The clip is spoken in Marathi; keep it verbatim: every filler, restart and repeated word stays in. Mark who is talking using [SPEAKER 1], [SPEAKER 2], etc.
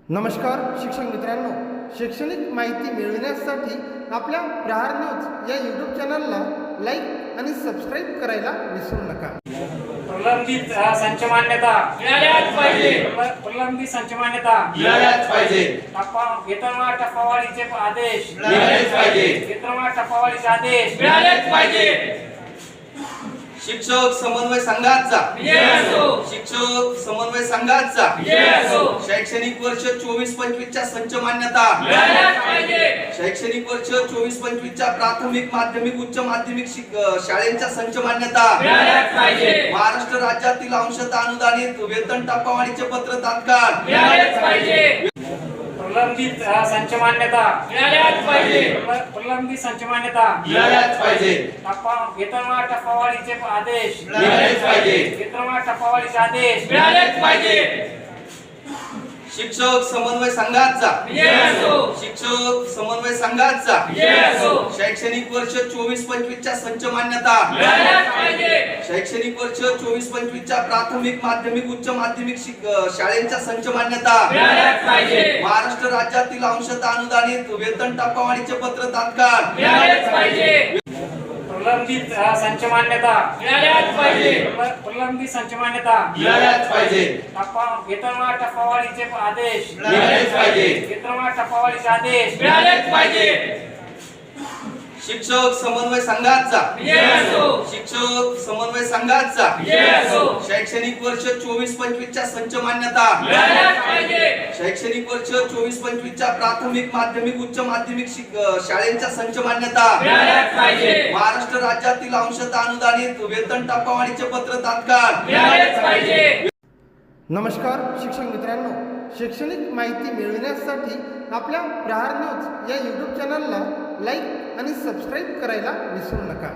[SPEAKER 1] नमस्कार शिक्षक मित्रांनो, शैक्षणिक माहिती मिळविण्यासाठी आपल्या प्रहार न्यूज या यूट्यूब चॅनलला लाईक आणि सबस्क्राईब करायला विसरू नका.
[SPEAKER 2] प्रलंबित संच मान्यता
[SPEAKER 3] मिळाल्याच पाहिजे.
[SPEAKER 2] प्रलंबित संच मान्यता
[SPEAKER 3] मिळाल्याच पाहिजे.
[SPEAKER 2] टप्पा वेतनवाढ टप्पावाढीचे आदेश
[SPEAKER 3] मिळालेच पाहिजे.
[SPEAKER 2] वेतनवाढ टप्पावाढीचे आदेश
[SPEAKER 3] मिळालेच पाहिजे.
[SPEAKER 4] शिक्षक समन्वय संघाचा
[SPEAKER 3] विजय असो.
[SPEAKER 4] शिक्षक समन्वय संघाचा
[SPEAKER 3] विजय असो.
[SPEAKER 4] शैक्षणिक वर्ष चोवीस पंचवीस च्या संच मान्यता
[SPEAKER 3] मिळाल्याच पाहिजे.
[SPEAKER 4] शैक्षणिक वर्ष चोवीस पंचवीस च्या प्राथमिक माध्यमिक उच्च माध्यमिक शिक- शाळेच्या संच मान्यता
[SPEAKER 3] मिळाल्याच पाहिजे.
[SPEAKER 4] महाराष्ट्र राज्यातील अंशतः अनुदानित वेतन टप्पावाढीचे पत्र तात्काळ
[SPEAKER 3] मिळालेच पाहिजे.
[SPEAKER 2] प्रलंबित संच मान्यता
[SPEAKER 3] मिळाल्याच पाहिजे.
[SPEAKER 2] प्रलंबित संच मान्यता
[SPEAKER 3] मिळाल्याच पाहिजे.
[SPEAKER 2] टप्पा वेतनवाढ टप्पावाढीचे आदेश
[SPEAKER 3] मिळालेच पाहिजे.
[SPEAKER 2] वेतनवाढ टप्पावाढीचे आदेश
[SPEAKER 3] मिळालेच पाहिजे.
[SPEAKER 4] शिक्षक समन्वय संघाचा
[SPEAKER 3] विजय असो.
[SPEAKER 4] शिक्षक समन्वय संघाचा
[SPEAKER 3] विजय असो.
[SPEAKER 4] शैक्षणिक वर्ष चोवीस पंचवीस च्या संच मान्यता
[SPEAKER 3] मिळाल्याच पाहिजे.
[SPEAKER 4] शैक्षणिक वर्ष चोवीस पंचवीस च्या प्राथमिक माध्यमिक उच्च माध्यमिक शिक- शाळेच्या संच मान्यता
[SPEAKER 3] मिळाल्याच पाहिजे.
[SPEAKER 4] महाराष्ट्र राज्यातील अंशतः अनुदानित वेतन टप्पावाढीचे पत्र तात्काळ
[SPEAKER 3] मिळालेच पाहिजे.
[SPEAKER 2] प्रलंबित संच मान्यता
[SPEAKER 3] मिळाल्याच पाहिजे.
[SPEAKER 2] प्रलंबित संच मान्यता
[SPEAKER 3] मिळाल्याच पाहिजे.
[SPEAKER 2] टप्पा वेतनवाढ टप्पावाढीचे आदेश
[SPEAKER 3] मिळालेच पाहिजे.
[SPEAKER 2] वेतनवाढ टप्पावाढीचे आदेश
[SPEAKER 3] मिळालेच पाहिजे.
[SPEAKER 4] शिक्षक समन्वय संघाचा
[SPEAKER 3] विजय असो.
[SPEAKER 4] शिक्षक समन्वय संघाचा
[SPEAKER 3] विजय असो.
[SPEAKER 4] शैक्षणिक वर्ष चोवीस पंचवीस च्या संच मान्यता
[SPEAKER 3] मिळाल्याच पाहिजे.
[SPEAKER 4] शैक्षणिक वर्ष चोवीस पंचवीस च्या प्राथमिक माध्यमिक उच्च माध्यमिक शिक- शाळेच्या संच मान्यता
[SPEAKER 3] मिळाल्याच पाहिजे.
[SPEAKER 4] महाराष्ट्र राज्यातील अंशतः अनुदानित वेतन टप्पावाढीचे पत्र तात्काळ
[SPEAKER 3] मिळालेच पाहिजे.
[SPEAKER 1] नमस्कार शिक्षक मित्रांनो, शैक्षणिक माहिती मिळविण्यासाठी आपल्या प्रहार न्यूज या यूट्यूब चॅनलला लाईक आणि सबस्क्राईब करायला विसरू नका.